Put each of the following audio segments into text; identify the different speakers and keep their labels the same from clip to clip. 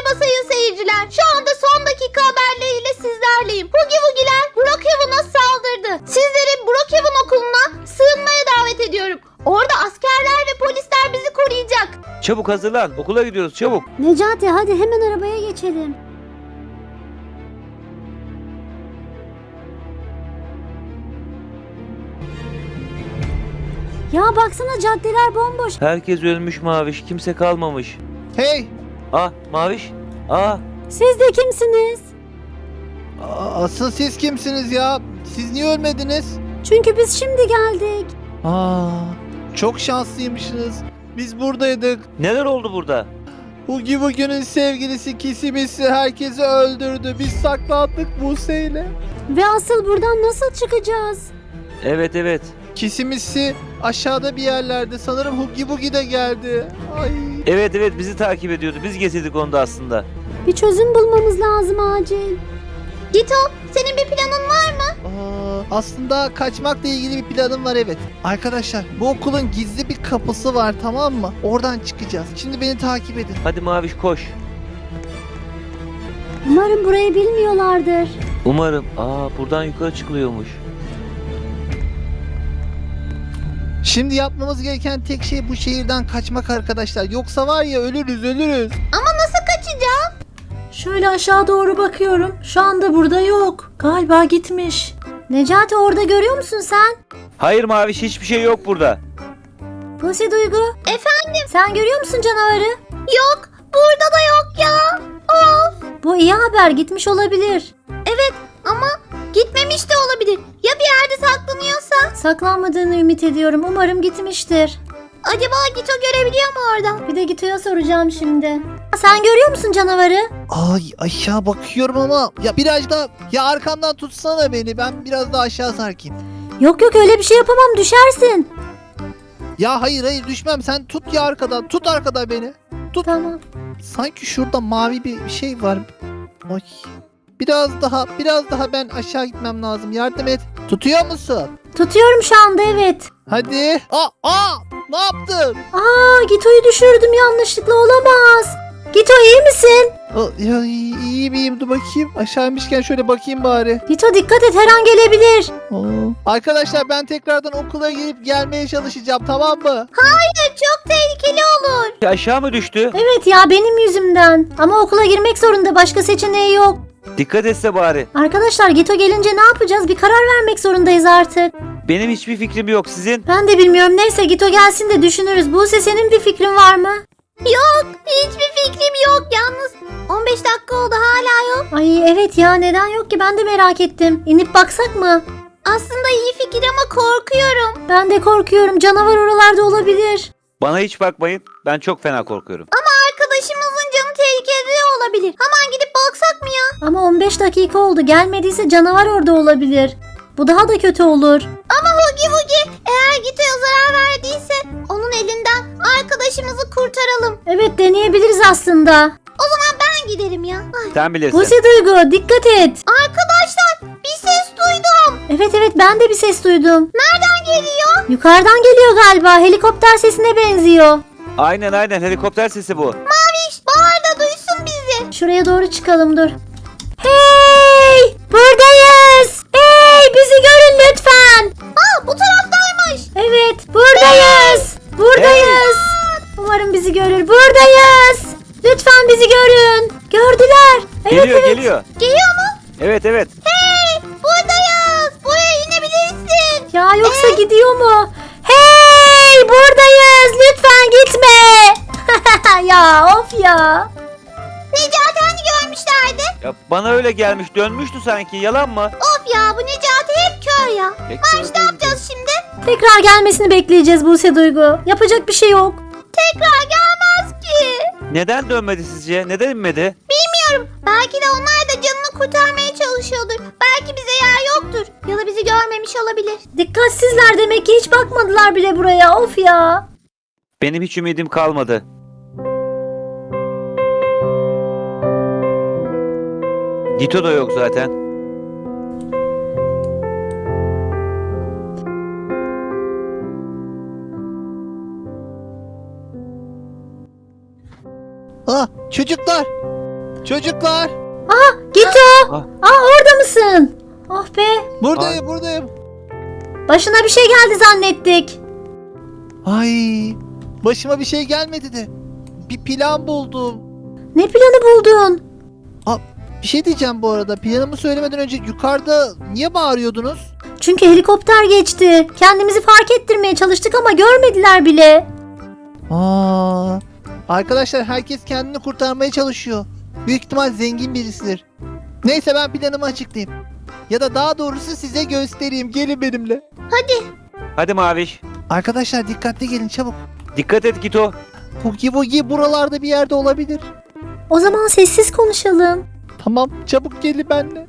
Speaker 1: Merhaba sayın seyirciler. Şu anda son dakika haberleriyle sizlerleyim. Hugi Wugi'ler Brookhaven'a saldırdı. Sizleri Brookhaven okuluna sığınmaya davet ediyorum. Orada askerler ve polisler bizi koruyacak.
Speaker 2: Çabuk hazırlan. Okula gidiyoruz çabuk.
Speaker 3: Necati hadi hemen arabaya geçelim. Ya baksana caddeler bomboş.
Speaker 2: Herkes ölmüş Maviş. Kimse kalmamış.
Speaker 4: Hey!
Speaker 2: Ah Maviş. Ah.
Speaker 3: Siz de kimsiniz?
Speaker 4: Asıl siz kimsiniz ya? Siz niye ölmediniz?
Speaker 3: Çünkü biz şimdi geldik.
Speaker 4: Çok şanslıymışsınız. Biz buradaydık.
Speaker 2: Neler oldu burada?
Speaker 4: Hugi Wugi'nin sevgilisi Kisimisi herkesi öldürdü. Biz saklandık Buse'yle.
Speaker 3: Ve asıl buradan nasıl çıkacağız?
Speaker 2: Evet.
Speaker 4: Kisimisi aşağıda bir yerlerde. Sanırım Hugi Wugi de geldi. Ay.
Speaker 2: Evet bizi takip ediyordu. Biz getirdik onu da aslında.
Speaker 3: Bir çözüm bulmamız lazım acil.
Speaker 1: Gito, senin bir planın var mı?
Speaker 4: Aslında kaçmakla ilgili bir planım var, evet. Arkadaşlar, bu okulun gizli bir kapısı var, tamam mı? Oradan çıkacağız. Şimdi beni takip edin.
Speaker 2: Hadi Maviş koş.
Speaker 3: Umarım burayı bilmiyorlardır.
Speaker 2: Umarım. Buradan yukarı çıkılıyormuş.
Speaker 4: Şimdi yapmamız gereken tek şey bu şehirden kaçmak arkadaşlar. Yoksa var ya ölürüz.
Speaker 1: Ama nasıl kaçacağım?
Speaker 5: Şöyle aşağı doğru bakıyorum. Şu anda burada yok. Galiba gitmiş.
Speaker 3: Necati orada görüyor musun sen?
Speaker 2: Hayır Maviş hiçbir şey yok burada.
Speaker 3: Pusi Duygu.
Speaker 1: Efendim?
Speaker 3: Sen görüyor musun canavarı?
Speaker 1: Yok, burada da yok ya. Of.
Speaker 3: Bu iyi haber, gitmiş olabilir.
Speaker 1: Evet ama gitmemiş de olabilir. Ya bir yerde saklanıyorsa?
Speaker 3: Saklanmadığını ümit ediyorum. Umarım gitmiştir.
Speaker 1: Acaba Gito görebiliyor mu oradan?
Speaker 3: Bir de Gito'ya soracağım şimdi. Sen görüyor musun canavarı?
Speaker 4: Ay aşağı bakıyorum ama ya biraz daha ya arkamdan tutsana beni. Ben biraz daha aşağı sarkayım.
Speaker 3: Yok öyle bir şey yapamam, düşersin.
Speaker 4: Ya hayır düşmem. Sen tut ya arkadan. Tut arkadan beni.
Speaker 3: Tamam.
Speaker 4: Sanki şurada mavi bir şey var. Ay. Biraz daha ben aşağı gitmem lazım. Yardım et. Tutuyor musun?
Speaker 3: Tutuyorum şu anda, evet.
Speaker 4: Hadi. Ne yaptın?
Speaker 3: Gito'yu düşürdüm yanlışlıkla, olamaz. Gito iyi misin?
Speaker 4: Ya iyi miyim? Dur bakayım. Aşağı inmişken şöyle bakayım bari.
Speaker 3: Gito dikkat et, her an gelebilir.
Speaker 4: Arkadaşlar ben tekrardan okula gelip gelmeye çalışacağım, tamam mı?
Speaker 1: Çok tehlikeli olur.
Speaker 2: Aşağı mı düştü?
Speaker 3: Evet ya, benim yüzümden. Ama okula girmek zorunda, başka seçeneği yok.
Speaker 2: Dikkat etse bari.
Speaker 3: Arkadaşlar Gito gelince ne yapacağız? Bir karar vermek zorundayız artık.
Speaker 2: Benim hiçbir fikrim yok. Sizin?
Speaker 3: Ben de bilmiyorum, neyse Gito gelsin de düşünürüz. Buse senin bir fikrin var mı?
Speaker 1: Yok, hiçbir fikrim yok yalnız. 15 dakika oldu hala yok.
Speaker 3: Ay evet ya, neden yok ki, ben de merak ettim. İnip baksak mı?
Speaker 1: Aslında iyi fikir ama korkuyorum.
Speaker 3: Ben de korkuyorum, canavar oralarda olabilir.
Speaker 2: Bana hiç bakmayın. Ben çok fena korkuyorum.
Speaker 1: Arkadaşımızın canı tehlikede olabilir. Hemen gidip baksak mı ya?
Speaker 3: Ama 15 dakika oldu, gelmediyse canavar orada olabilir. Bu daha da kötü olur.
Speaker 1: Ama Hugi Wugi eğer Gito'ya zarar verdiyse onun elinden arkadaşımızı kurtaralım.
Speaker 3: Evet, deneyebiliriz aslında.
Speaker 1: O zaman ben giderim ya. Ay.
Speaker 2: Sen bilirsin.
Speaker 3: Buse Duygu dikkat et.
Speaker 1: Arkadaşlar bir ses duydum.
Speaker 3: Evet ben de bir ses duydum.
Speaker 1: Nereden geliyor?
Speaker 3: Yukarıdan geliyor galiba, helikopter sesine benziyor.
Speaker 2: Aynen helikopter sesi bu.
Speaker 1: Maviş bağır da duysun bizi.
Speaker 3: Şuraya doğru çıkalım, dur. Hey! Buradayız! Hey! Bizi görün lütfen!
Speaker 1: Bu taraftaymış.
Speaker 3: Evet, buradayız! Buradayız! Umarım bizi görür. Buradayız! Lütfen bizi görün. Gördüler. Evet.
Speaker 2: Geliyor.
Speaker 1: Geliyor mu?
Speaker 2: Evet.
Speaker 1: Hey buradayız. Buraya inebilirsin.
Speaker 3: Ya yoksa gidiyor mu? Hey! Buradayız! Lütfen gitme! Ya of ya!
Speaker 1: Necati hani görmüşlerdi?
Speaker 2: Ya bana öyle gelmiş. Dönmüştü sanki. Yalan mı?
Speaker 1: Of ya bu Necati hep kör ya. Maviş ne yapacağız şimdi?
Speaker 3: Tekrar gelmesini bekleyeceğiz Buse Duygu. Yapacak bir şey yok.
Speaker 1: Tekrar gelmez ki.
Speaker 2: Neden dönmedi sizce? Neden inmedi?
Speaker 1: Bilmiyorum. Belki de onlar da canını kurtarmaya çalışıyordur. Belki bize yer yoktur. Ya da bizi görmemiş olabilir.
Speaker 3: Dikkatsizler demek ki, hiç bakmadılar bile buraya. Of ya!
Speaker 2: Benim hiç ümidim kalmadı. Gito da yok zaten.
Speaker 4: Çocuklar Çocuklar.
Speaker 3: Gito.
Speaker 2: Ah.
Speaker 3: Orada mısın? Oh be.
Speaker 4: Buradayım.
Speaker 3: Başına bir şey geldi zannettik.
Speaker 4: Ay, başıma bir şey gelmedi de. Bir plan buldum.
Speaker 3: Ne planı buldun?
Speaker 4: Bir şey diyeceğim bu arada. Planımı söylemeden önce yukarıda niye bağırıyordunuz?
Speaker 3: Çünkü helikopter geçti. Kendimizi fark ettirmeye çalıştık ama görmediler bile.
Speaker 4: Arkadaşlar herkes kendini kurtarmaya çalışıyor. Büyük ihtimal zengin birisidir. Neyse ben planımı açıklayayım. Ya da daha doğrusu size göstereyim. Gelin benimle.
Speaker 2: Hadi Maviş.
Speaker 4: Arkadaşlar dikkatli gelin çabuk.
Speaker 2: Dikkat et Gito.
Speaker 4: Hugi Bugi buralarda bir yerde olabilir.
Speaker 3: O zaman sessiz konuşalım.
Speaker 4: Tamam çabuk gelin benimle.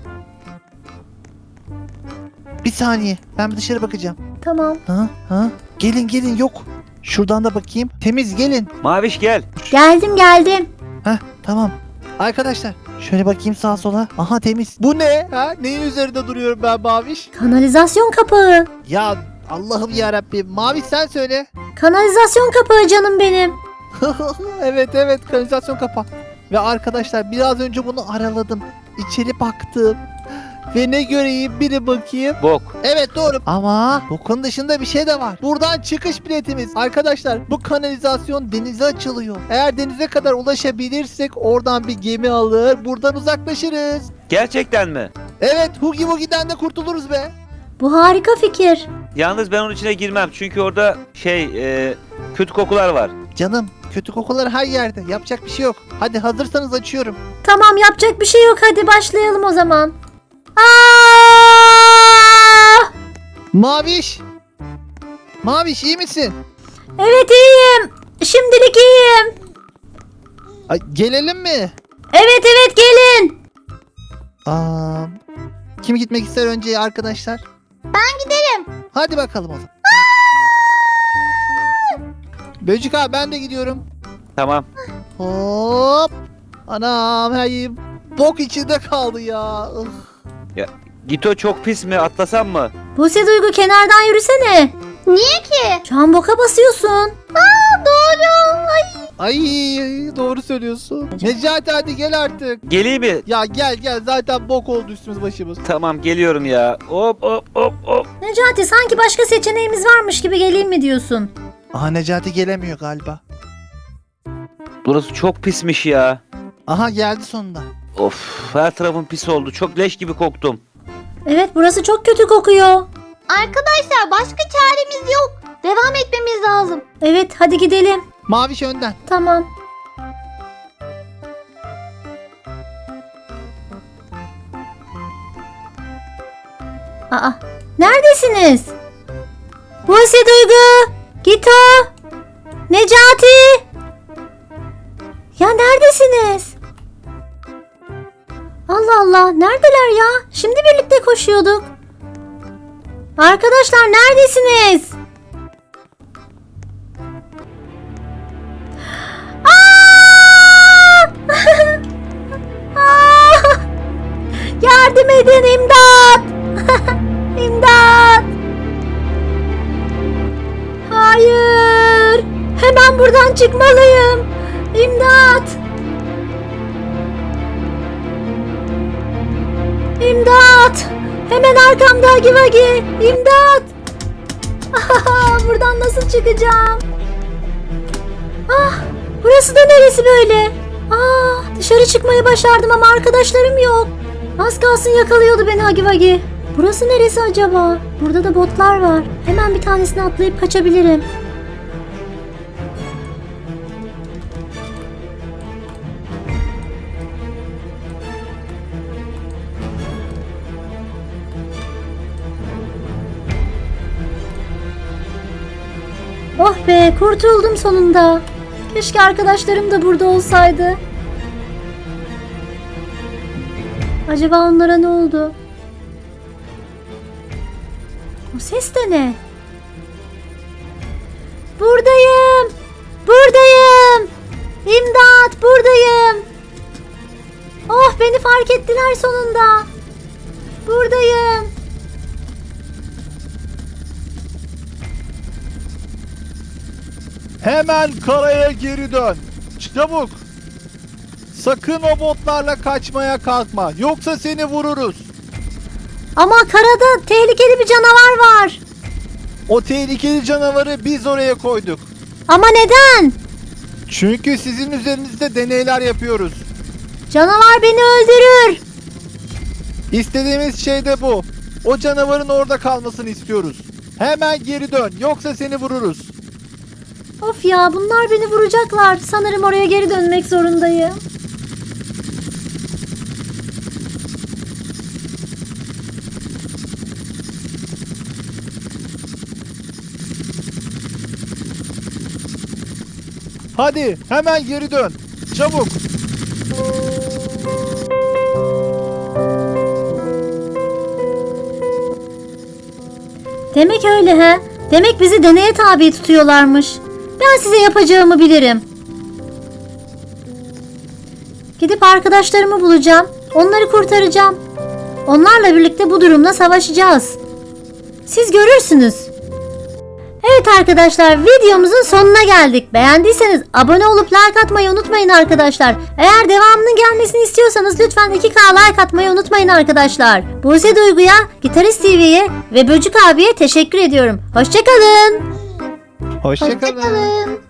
Speaker 4: Bir saniye ben bir dışarı bakacağım.
Speaker 3: Tamam.
Speaker 4: Ha? Gelin yok. Şuradan da bakayım. Temiz gelin.
Speaker 2: Maviş gel.
Speaker 3: Geldim.
Speaker 4: Tamam. Arkadaşlar şöyle bakayım sağa sola. Aha temiz. Bu ne? Neyin üzerinde duruyorum ben Maviş?
Speaker 3: Kanalizasyon kapağı.
Speaker 4: Ya Allah'ım yarabbim. Maviş sen söyle.
Speaker 3: Kanalizasyon kapağı canım benim.
Speaker 4: evet kanalizasyon kapağı. Ve arkadaşlar biraz önce bunu araladım. İçeri baktım. Ve ne göreyim biri bakayım.
Speaker 2: Bok.
Speaker 4: Evet doğru. Ama bokun dışında bir şey de var. Buradan çıkış biletimiz. Arkadaşlar bu kanalizasyon denize açılıyor. Eğer denize kadar ulaşabilirsek oradan bir gemi alır. Buradan uzaklaşırız.
Speaker 2: Gerçekten mi?
Speaker 4: Evet Hugi Bugi'den de kurtuluruz be.
Speaker 3: Bu harika fikir.
Speaker 2: Yalnız ben onun içine girmem. Çünkü orada kötü kokular var.
Speaker 4: Canım kötü kokular her yerde. Yapacak bir şey yok. Hadi hazırsanız açıyorum.
Speaker 3: Tamam, yapacak bir şey yok, hadi başlayalım o zaman.
Speaker 4: Maviş. Maviş iyi misin?
Speaker 3: Evet, iyiyim. Şimdilik iyiyim.
Speaker 4: Ay, gelelim mi?
Speaker 3: Evet gelin.
Speaker 4: Kim gitmek ister önce arkadaşlar?
Speaker 1: Ben giderim.
Speaker 4: Hadi bakalım o zaman. Böcük abi ben de gidiyorum.
Speaker 2: Tamam.
Speaker 4: Hop. Anam her yerim bok içinde kaldı ya.
Speaker 2: Gito çok pis mi? Atlasam mı?
Speaker 3: Buse Duygu, kenardan yürüsene.
Speaker 1: Niye ki?
Speaker 3: Şu an boka basıyorsun.
Speaker 1: Doğru.
Speaker 4: Ay doğru söylüyorsun. Necati hadi gel artık.
Speaker 2: Geleyim mi?
Speaker 4: Ya gel zaten bok oldu üstümüz başımız.
Speaker 2: Tamam geliyorum ya. Hop.
Speaker 3: Necati, sanki başka seçeneğimiz varmış gibi geleyim mi diyorsun?
Speaker 4: Aha Necati gelemiyor galiba.
Speaker 2: Burası çok pismiş ya.
Speaker 4: Aha geldi sonunda.
Speaker 2: Of, her tarafım pis oldu. Çok leş gibi koktum.
Speaker 3: Evet, burası çok kötü kokuyor.
Speaker 1: Arkadaşlar başka çaremiz yok. Devam etmemiz lazım.
Speaker 3: Evet, hadi gidelim.
Speaker 4: Maviş önden.
Speaker 3: Tamam. Aa, neredesiniz? Buse Duygu, Gito, Necati. Ya neredesiniz? Allah Allah, neredeler ya? Şimdi birlikte koşuyorduk. Arkadaşlar neredesiniz? Yardım edin, imdat! İmdat! Hayır! Hemen buradan çıkmalıyım. İmdat! İmdat! Hemen arkamda Hagi Vagi! İmdat! Buradan nasıl çıkacağım? Burası da neresi böyle? Dışarı çıkmayı başardım ama arkadaşlarım yok. Az kalsın yakalıyordu beni Hagi Vagi. Burası neresi acaba? Burada da botlar var. Hemen bir tanesine atlayıp kaçabilirim. Oh be, kurtuldum sonunda. Keşke arkadaşlarım da burada olsaydı. Acaba onlara ne oldu? O ses de ne? Buradayım. Buradayım. İmdat, buradayım. Oh, beni fark ettiler sonunda. Buradayım.
Speaker 6: Hemen karaya geri dön. Çabuk.
Speaker 4: Sakın o botlarla kaçmaya kalkma. Yoksa seni vururuz.
Speaker 3: Ama karada tehlikeli bir canavar var.
Speaker 4: O tehlikeli canavarı biz oraya koyduk.
Speaker 3: Ama neden?
Speaker 4: Çünkü sizin üzerinizde deneyler yapıyoruz.
Speaker 3: Canavar beni öldürür.
Speaker 4: İstediğimiz şey de bu. O canavarın orada kalmasını istiyoruz. Hemen geri dön. Yoksa seni vururuz.
Speaker 3: Of ya, bunlar beni vuracaklar. Sanırım oraya geri dönmek zorundayım.
Speaker 4: Hadi hemen geri dön. Çabuk.
Speaker 3: Demek öyle he. Demek bizi deneye tabi tutuyorlarmış. Ben size yapacağımı bilirim. Gidip arkadaşlarımı bulacağım. Onları kurtaracağım. Onlarla birlikte bu durumla savaşacağız. Siz görürsünüz. Evet arkadaşlar, videomuzun sonuna geldik. Beğendiyseniz abone olup like atmayı unutmayın arkadaşlar. Eğer devamının gelmesini istiyorsanız lütfen 2K like atmayı unutmayın arkadaşlar. Buse Duygu'ya, Gitarist TV'ye ve Böcük abiye teşekkür ediyorum. Hoşçakalın.
Speaker 4: Hoşçakalın.
Speaker 1: Hoşçakalın.